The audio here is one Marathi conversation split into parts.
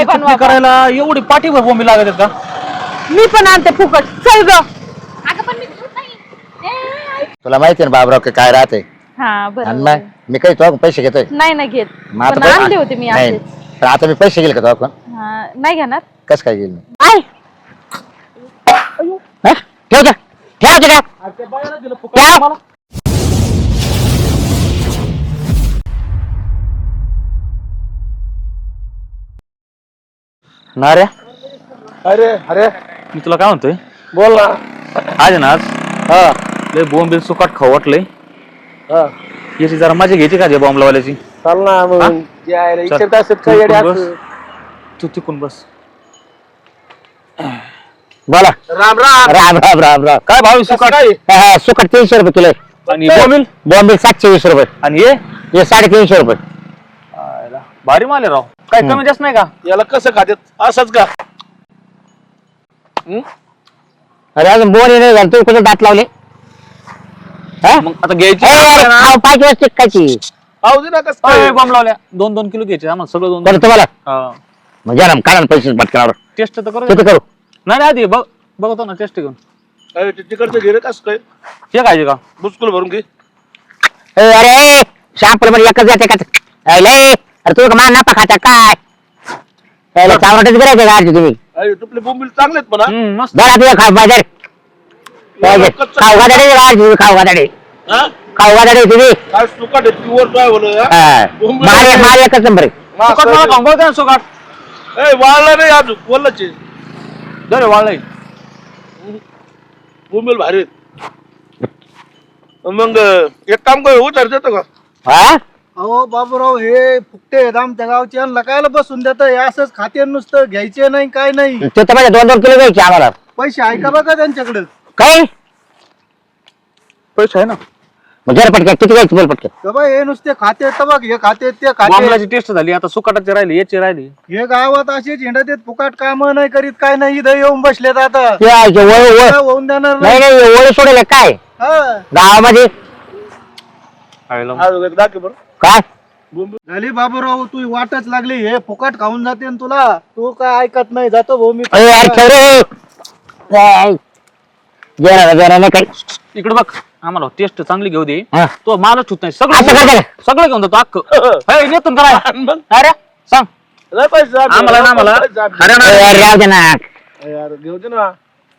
काय बनवा करायला एवढी पाठीभर बोंबी लागत आहेत का? मी पण आणते फुकट चल ग. अगं पण मी घेत नाही. तुला माहिती ना बाबराव काय राहते. हा बरं मग मी काही तो पैसे घेतोय नाही ना घेत मग आता पण आणले होते मी नाही. असेच. पण आता मी पैसे घेईल का तो आपण नाही घेणार कसं काय घेईल मी आय हा? ठेव जा. ठेव जा. अरे त्या बायाला दिलं फुकट मला. ना रे अरे अरे मी तुला काय म्हणतोय बोल ना आज आहे ना आज हा लय बोंबील सुकाट खाऊ वाटलंय. हा याची जरा मजा घ्यायची का जे बॉम्बलावाल्याची. चाल ना हा? मग विचारत असत काय येडे बस. असं. तू तिकून बस. बोला राम राम. राम राम राम राम काय भाव आहे सुकाट? हा, हा, सुकट 300 रुपये किलो आहे. आणि बोंबील बॉम्बे 720 रुपये आणि हे हे 350 रुपये आयला, भारी माल आहे राव. काय कमी जास्त नाही का? याला कसं खात्यात असंच का? अरे अजून बोन नाही झालं तू कुठे दात लावले हा? मग आता घ्यायची ए, अरे, खाऊ, 5 वर्ष टिकायची पाहू दे ना कसं बॉम्ब लावल्या 2-2 किलो घ्यायचे आम्हाला सगळं 2 बरं तुम्हाला म्हणजे ना कारण पैसे पटकनावर टेस्ट तर करू किती करू नाही नाही आधी बघतो ना टेस्ट घेऊन तिकडचं घे रे कसं काय हे खायचे का? बुचकुल भरून घे. ए, अरे शापल मध्ये एकच जाते का अरे तू मान नफा खाता काय चावराटच करायचं का आज तुम्ही अरे तुपले बोंबील चांगले आहेत म्हणा. मस्त. जरा तुझ्या खाऊ बाजार खाऊ गादाडे खाऊ गादाडे हा? खाऊ गादाडे तुम्ही काय सुकाट आहे प्युअर काय बोल माल एकच नंबर आहे सुकाट मला खाऊन बघ ना सुकाट. वाळला नाही अजून बोललाच जरे वाळलंय. बोंबील भारी आहेत. मग एक काम कर उतार देतो का? हा अहो बाबूराव हे फुकटे आहेत आमच्या गावचे यांना कायला बसून देत असंच खाते नुसतं घ्यायचे नाही काय नाही ते तर माझ्या 2-2 किलो घ्यायचे आम्हाला पैसे ऐका बघा त्यांच्याकडे काय पैसे आहे ना. मग जरा पटक्या किती घ्यायची बोल पटक्या बाबा हे नुसते खाते तर बघ हे खाते ते खाते बॉम्बलाची टेस्ट झाली आता सुकाटाची राहिली याची राहिली. हे गावात असेच हिंडत आहेत फुकाट काम नाही करीत काय नाही इथं येऊन बसलेत आता ते आहे, ते वळ काय होऊन देणार नाही नाही नाही वळ सोडेल काय हा. गावामध्ये आज दाखव बरं काय झाली बाबूराव तू वाटच लागली हे फुकट खाऊन जाते न तुला तू काय ऐकत नाही जातो भाऊ मी अरे यार ठेव रे काय? जरा नाही काय इकडे बघ आम्हाला टेस्ट चांगली घेऊ दे. हा. तो मालच होत नाही असं करता सगळं का? सगळं घेऊन जातो अख्खं नेतून करा. मग अरे सांग लय पैसे जाते. आम्हाला ना मला पैसे जाते. हरियाणा अरे यार, राहू दे ना यार घेऊ दे ना.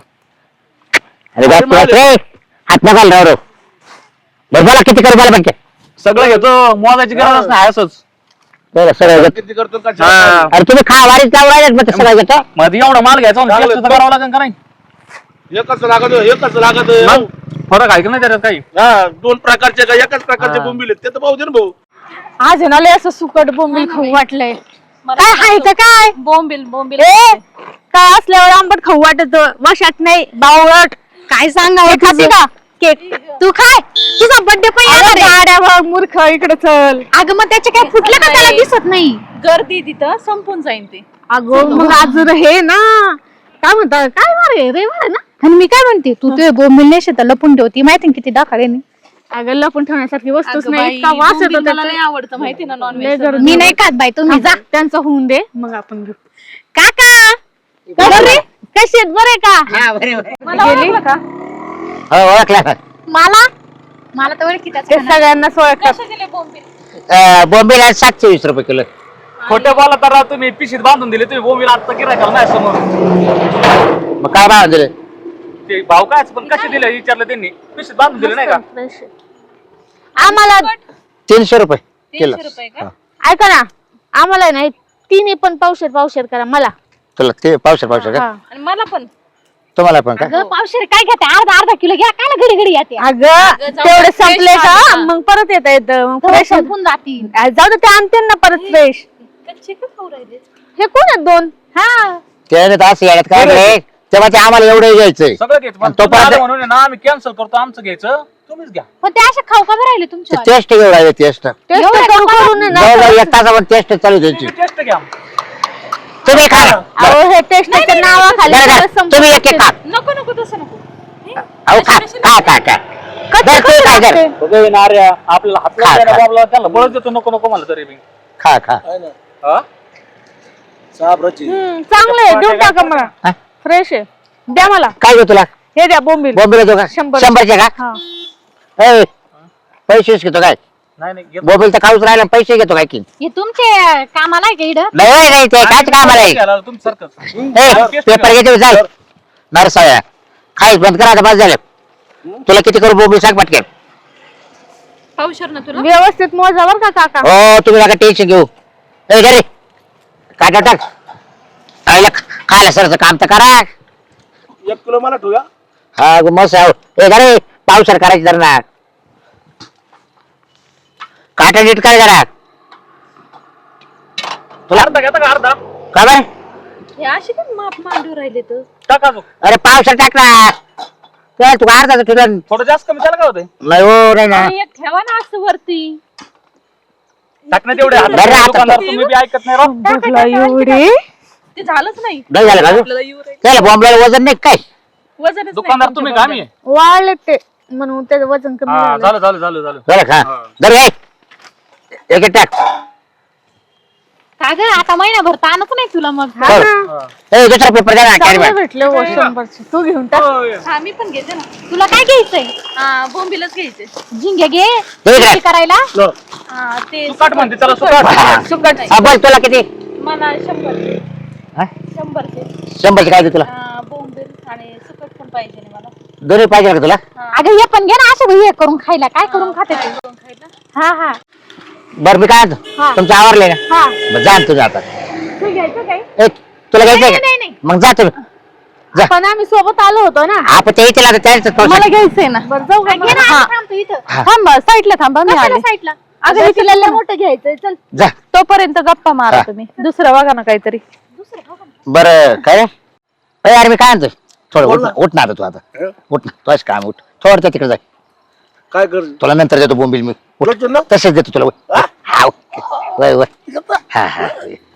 अरे गप बस रे हात नका राव रो बरं बोला किती करू बोला पटक्या सगळं घेतो मोजायची गरज नाही असंच. बरं सगळं घेतो. किती करतो का? हा. अरे तुम्ही खा वारीत जाऊ राहिले मग ते सगळं घेतो मग एवढा माल घ्यायचा चांगलं टेस्ट तर करावं लागेल का नाही. एकच लागत एकच लागत मग फरक आहे का नाही त्याच्यात काही. हा 2 प्रकारचे का एकाच प्रकारचे बोंबील आहेत ते तर पाहू दे ना भाऊ. आज आहे ना लय असं सुकट बोंबील खाऊ वाटलंय मला काय खायचं काय बोंबील बोंबील ए काय असल्यावर आंबट खाऊ वाटत वशात नाही बावळट काय सांगावं खाते का केक तू खाय तुझा बर्थडे पण येणार आहे. गाड्यावर मूर्ख इकडे चल अगं मग त्याचे काय फुटलं का त्याला दिसत नाही गर्दी तिथं संपून जाईन ते. अगं मग आज हे ना काय म्हणतात काय मारे रविवार आहे ना आणि मी काय म्हणते तू ते बोंबील नाही शेतात लपून ठेवती माहिती किती दाखल आहे अगं लपून ठेवण्यासारखी वस्तूच अगं नाही बाई, इतका वास येतो बोंबील मला त्याचा. लय आवडतं माहिती ना लय नॉनव्हेज. गरज. मी नाही खात बाई तुम्ही जा त्यांचं होऊन दे मग आपण घेऊ काका बरे कशी आहेत बरे का मला गेली? ओळखलं का? हो ओळखला मला मला तर ओळखी त्याच ते सगळ्यांना ओळखतात कसे दिले बोंबील? बॉम्बे 720 रुपये किलो खोटं बोला तर राव तुम्ही पिशीत बांधून दिले तुम्ही बोंबील आता गिरायला नाही समोर. मग काय भाव दिले ते भाव काय पण कसे दिले विचारलं त्यांनी पिशीत बांधून दिले नाही का. आम्हाला 300 रुपये किलो 300 रुपये का? ऐका ना आम्हाला नाही तिन्ही पण पावशेर करा मला तुला ते पावशे का हा. आणि मला पण तुम्हाला पण का अगं पावशेर काय घेते अर्धा किलो घ्या काय घडी घडी येते अगं जाऊ तेवढे दे, संपले fresh का आणा. मग परत येत फ्रेश संपून जातील. जाऊ दे ते आणते ना परत फ्रेश कच्चे का खाऊ राहिले? हे कोण आहेत 2 हा त्याने तर असं येण्यात काय रे तेव्हा ते आम्हाला एवढं घ्यायचंय सगळं घ्यायचं पण आणि तो तुम्ही आले पर्यंत- म्हणून आहे ना आम्ही कॅन्सल करतो आमचं घ्यायचं तुम्हीच घ्या. पण ते असे खाऊ का बरं राहिले तुमच्या? टेस्ट घेऊन राहिले टेस्ट टेस्ट करून आहे ना. जवळजवळ 1 तासावर टेस्ट चालू द्यायची तुम्ही टेस्ट घ्या. तुम्ही खा अहो हे टेस्टच्या नावाखाली बरं, सगळं बरं. संपून तुम्ही एक एक खा नको नको तसं नको. अहो खा खा खा खा बरं, तू काय कर बघ नार्या आपल्याला हातला खा, द्यायला खा. बाबला त्याला बळच देतो नको नको मला तरी मी. खा खा हा? चांगलं आहे, देऊन टाका मला. हा? फ्रेश आहे, द्या मला. काय देऊ तुला हे द्या बोंबील. बोंबील देतो का 100. 100चे का हा. ए, पैसेच घेतो काय नाही नाही घेतो. बोंबील तर खाऊच राहिला पैसे घेतो काय की हे तुमचे कामाला आहे का इकडं? नाही नाही ते कायच कामाला आहे घ्यायला तुम्ही सारखं. ए, पेपर घ्यायचे चाल नरसाळ्या खायच बंद करा आता बस झालं तुला किती करू बोंबील सांग पटकन पावशर ना तुला? व्यवस्थित मोजा बर का काका. हो तुम्ही नका टेन्शन घेऊ ए घरी काटा टाक आईला खायला सरचं काम तर करा 1 किलो मला ठेवूया. हा मस्त आहे ए घरी पावसर करायची जर ना काटा नीट काय जरा तुला अर्धा घेता का अर्धा? का बरं हे अशी पण माप मांडू राहिले तर. टाका अजून. अरे पावसर टाक ना तुला तू अर्धा तुला थोडं जास्त कमी त्याला काय होतंय? नाही हो नाही ना आणि एक ठेवा ना असं वरती. टाकणं तेवढे हात. बरं, आता- दुकानदार तुम्ही बी ऐकत नाही राव. भूकला एवढी. ते झालंच नाही. नाही झालं का आपल्याला येऊ राहिलं. त्याला बॉम्बला वजन नाही काय वजनच नाही दुकानदार तुम्ही तुमच्या कामी आहे. वाळले ते म्हणून त्याचं वजन कमी हा, झालं. झालं झालं झालं झालं. झालं का जर एक एक टाक का ग आता महिनाभर ताणच नाही तुला मग. हा बरं. ना. ए दुसरा पेपर द्या ना कॅरी चांगले बॅग भेटले हो 100चे. तू घेऊन टाक. होय. हा मी पण घेते ना. तुला काय घ्यायचंय? बोंबीलच घ्यायचंय. झिंगे घे. दे इकडे. झिंगे करायला लो. हा, ते सुकाट म्हणते त्याला सुकाट. हा. सुकट. हा बोल तुला किती मला 100. हा? 100चे. 100चे काय दे तुला बोंबील आणि सुकट पण पाहिजे ना मला. दोन्ही पाहिजे का तुला अगं हे पण घे ना असं हे करून खायला. काय करून खाते तू? हा हा बरं मी काय आणतो? हा. तुमचं आवरले ना हा. मग जा ना तुझ्या आता तू घ्यायचं काय? ए तुला घ्यायचंय नाही, का नाही. मग जा तुम्ही जा पण आम्ही सोबत आलो होतो ना. आपण ते इथे लागत त्याच मला घ्यायचंय ना. बरं जाऊ का घे ना, मग? हा. असं थांबतो इथं. थांब साईडला थांबा मी आले. साईडला. अगं हे तिला लय मोठं घ्यायचंय. चल जा तोपर्यंत गप्पा मारा हा. तुम्ही. दुसरं बघा ना काहीतरी. बरं काय ए अरे मी काय आणतोय थोडं उठ ना आता तू आता उठ ना तू काम उठ थोडं तिकडे जाय काय कर तुला नंतर देतो बोंबील मी उठ. देतो ना? तसंच देतो तुला वय. हा ओके. वय वय हा हा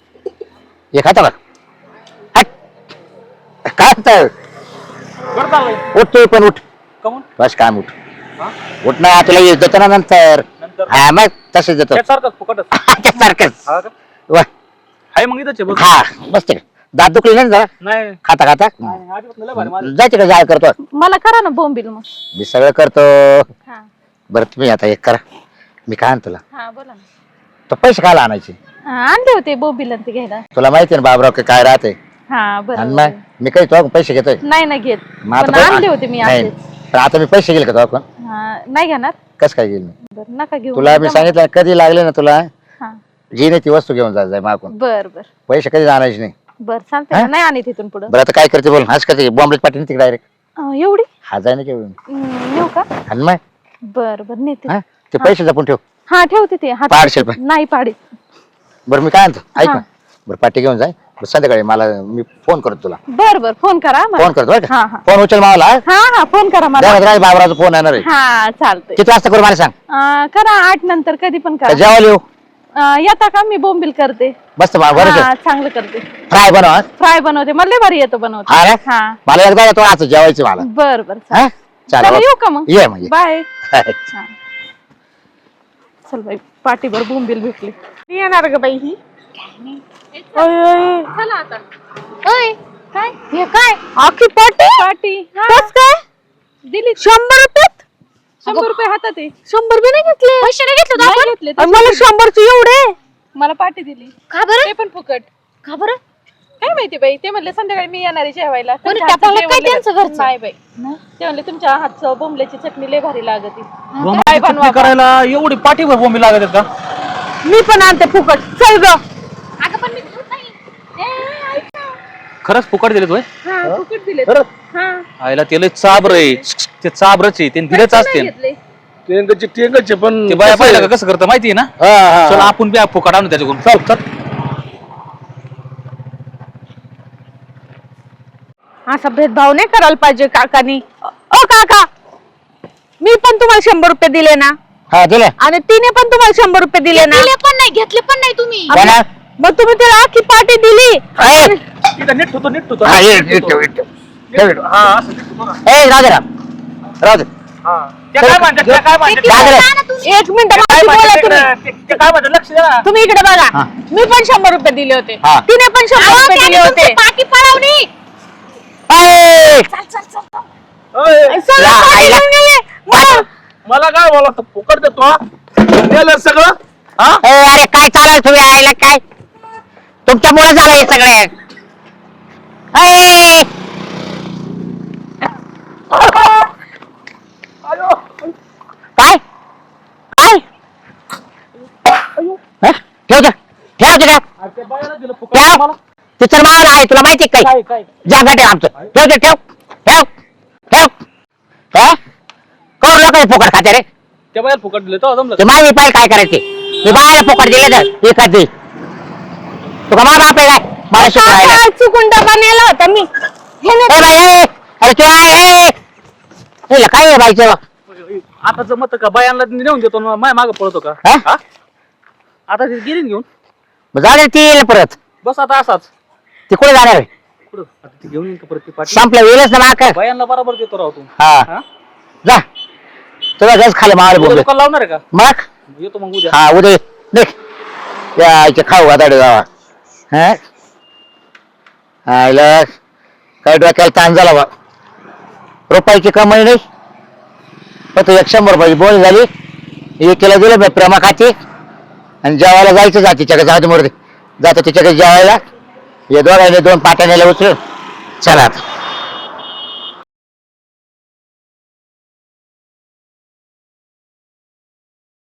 हे खाता बघ हट. काय होतं? बरं चाललंय. उठ तू पण उठ कमून? बस काम उठ हा? उठ ना तुला येत देतो ना नंतर नंतर? हा मग तसंच देतो त्यासारखंच फुकटच. सारखंच हा का? वा आहे मग इथंच आहे बघ. हा बस तिकडे दात दुखली नाही ना जरा नाही खाता खाता नाही, अजिबात नाही, लय भारी माझं. जाय तिकडे जाय करतो मला करा ना बोंबील मग. मी सगळं करतो हा बरं तुम्ही आता एक करा मी काय आणतो तुला हा बोला ना. तो पैसे खायला आणायचे आणले होते बोंबील आणि ते घ्यायला. तुला माहिती ना बाबराव की काय राहते हा आणि बरं. मग मी काही तो पैसे घेतोय नाही ना घेत. मग आता पण पै- आणले होते मी नाही असेच. पण आता मी पैसे गेले का तो आपण हा, नाही घेणार. कसं काय गेल मी बरं नका घेऊ. तुला मी सांगितलं कधी लागले ना तुला हा जी नाही ती वस्तू घेऊन जाय मागून बर बर पैसे कधी आणायचे नाही बर चालतंय ना. नाही आणि तिथून पुढं. बरं आता काय करते बोल हाच करते बॉम्बलेट पाठवून तिकडे डायरेक्ट एवढी हा जाय ना घेऊन नेऊ का? आणि मग बर बर नेते. हा ते पैसे जपून ठेव हा ठेवते ते हात. पाडशेल पण नाही पाडी. बरं मी काय आणतो ऐक हा. ना बरं पाठी घेऊन जाय बरं संध्याकाळी मला मी फोन करतो तुला बर बर फोन करा मला. फोन करतो बरं हा का हा फोन उचल मावला हा हा फोन करा मला. बाबराचा फोन येणार आहे हा चालतंय. किती वाजता करू मला सांग करा 8 नंतर कधी पण का करा. जेवायला येऊ येता का? मी बोंबील करते. मस्त बरं हा चांगलं करते. फ्राय बनव हा. फ्राय बनवते. मला लय भारी येतो बनवते. हा रे? हा मला एकदा येतो आज जेवायचं मला बर बर हा चला चालेल येऊ का मग? ये मग ये. बाय. चल बाई पाठीभर बोंबील भेटली. येणार ग बाई ही. चला आता. ओय काय हे काय? आखी पाटी पाटी. कस काय दिली 100 रुपयात 100 रुपये हातात आहे. 100 बी नाही घेतले. पैसे नाही घेतले नाही आपण. घेतले. आणि मला 100चे एवढे. मला पाटी दिली. का बरं? ते पण फुकट. का बरं? काय माहिती बाई ते म्हणले संध्याकाळी मी येणार आहे जेवायला. कोणी तुमच्या हातचं टाकलं काय जेवण लय त्यांचं भारी. घरचं? नाही बाई ते म्हणले तुमच्या हातचं बोंबल्याची चटणी लय भारी लागते. बोंबीलची चटणी करायला एवढी पाठीभर बोंबी लागत आहेत का? मी पण आणते फुकट. चल ग. अगं पण मी खात नाही. ऐक ना. खरंच फुकट दिले होय? हा फुकट दिले. हा आईला ते लय चाबर आहे ते चाबरच आहे ते दिलेच असते घेतले. टेंगचे पण ते बाया पाहिलं का कसं करतं माहितीये ना हा हा चल आपण बी फुकट आणू त्याच्याकडून चल चल असा भेदभाव नाही करायला पाहिजे काकानी. ओ काका मी पण तुम्हाला 100 रुपये दिले ना हा दिले आणि तिने पण तुम्हाला 100 रुपये दिले ना. दिले पण नाही घेतले पण नाही तुम्ही. काय ना? मग तुम्ही त्याला आखी पाटी दिली. ए, इथं नीट होतो नीट होतो हा, ये, ये, ठेव, ठेव. ठेव. हा असं नीट होतो ना ए राहू दे ना राहू दे हा ते काय म्हणतात ते काय म्हणतात काय झालं? एक मिनिट ते काय बोला म्हणतात तुम्ही. तिकडे? ते काय म्हणतात लक्ष द्या ना. तुम्ही इकडे बघा हा. मी पण 100 रुपये दिले होते हा. तिने पण 100 रुपये दिले होते पाठी पळवणी ए, सगळं या, पाठी आईला. घेऊन गेले. मग मला काय बोला फुकट देतो हा? दिलं सगळं हा ए, अरे काय चालू तुम्ही आईला काय तुमच्यामुळे झालं हे सगळं ए, काय काय हं? ठेव ते. ठेव ते, ठेव. अरे ते बायाला दिलं फुकट ठेव. मला. ते तर मावलं आहे तुला माहिती आहे काय काय काय जागा ठेव आमचं ठेव ते ठेव ठेव ठेव हे? कोण लोक फुकट खाते रे त्या बायाला फुकट दिलं तो जमलं ते माझी पाय काय करायचे मी बाहेर फुकट दिले तर एखाद दे तुका मा बाप आहे काय मला शिकवायला काका, चुकून डबा नेला होता मी हे ए बाई ए, अरे तू आहे ए, काय आहे बाईचं आता जमत का बायांना नेऊन देतो ना माय मागं पळतो का हा? हा? आता ते गिरीन घेऊन जाऊ दे ती येईल परत बस आता असाच ती कुठे जाणार आहे? कुठं आता ती घेऊन येईन का परत ती पाठी संपलं येईलच ना माक बायांना बरोबर देतो राव तू हा हा? जा तुला गज खाली मावळ उद्या बोल दुकान लावणार आहे का मग येतो मग उद्या हा उद्या देख या इथे खाऊ आता गावा हा आईला काय डोक्याला ताण झाला बा रुपयाची कमाई नाही पण तू 100 रुपयाची बोल झाली एकीला दिलं मी प्रेमा खाती आणि जेवायला जायचं जा तिच्याकडे जाऊ दे मोरदे जातो तिच्याकडे जेवायला हे दोघांनी 2 पाट्या नेल्या उचलून चला आता